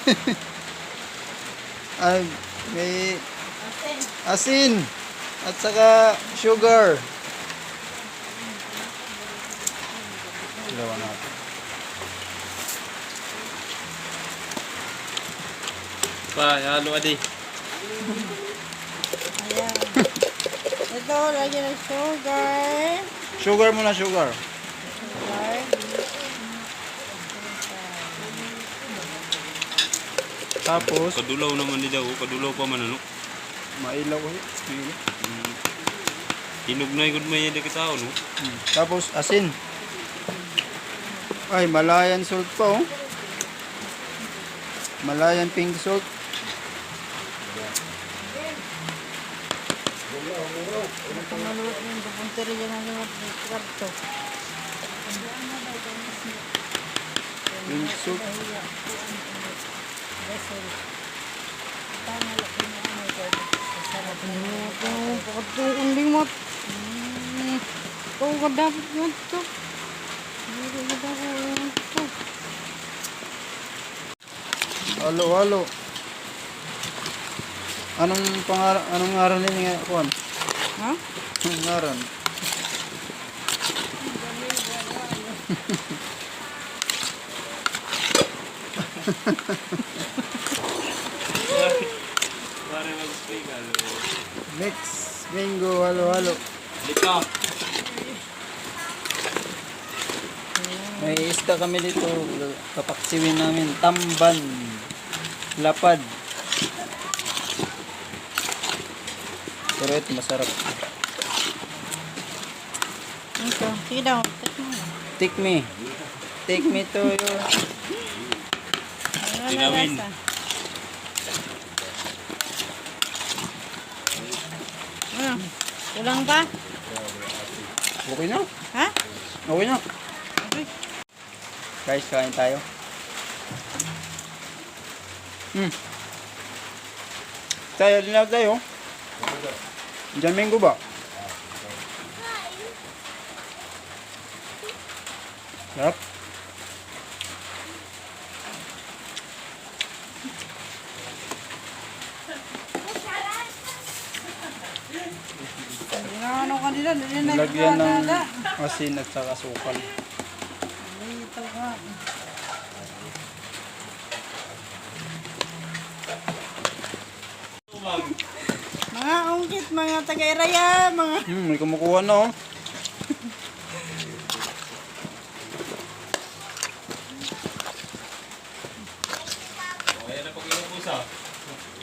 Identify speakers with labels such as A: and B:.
A: Ay, may asin at saka sugar. Dalawa natin.
B: Pa, halo adi.
C: Ayan. Ito, lagyan ng sugar.
A: Sugar muna, sugar.
C: Sugar.
A: Tapos,
B: Kadulaw naman ni daw, kadulaw pa man ano.
A: mailaw ko.
B: Hinog na igod may yun kita no.
A: Tapos, asin. Ay, Malayan salt pa, oh. Malayan pink salt.
C: Pamaluot yung pupuntiri dyan ang mga karto.
A: Pink salt.
C: Pagkatuong limot. Ito ka dapat yun ito. Hindi ka dapat yun ito.
A: Halo, halo. Anong ngaran nila nga, Juan?
C: Ha?
A: Anong ngaran?
B: Pare mag-spray ka.
A: Mix, bingo, halo, halo.
B: Lika.
A: May isda kami dito. Kapaksiwin namin. Tamban. Lapad. Pero ito masarap.
C: Ito. Sige daw.
A: Take me. Take me to your...
C: Ano na
B: Tinawin.
C: lasa? Kulang pa?
A: Okay na.
C: Ha?
A: Okay na.
C: Okay.
A: Guys, kain tayo. Tayo, din na tayo. Diyan minggo ba? Sarap.
C: Ano kanila? Hindi na
A: Lagyan ng
C: nagkakala.
A: asin at saka sukal.
C: Dito ka. Mga ungkit, mga taga-iraya, mga...
A: May kumukuha na, oh.
B: Ayan na pag-inubusa.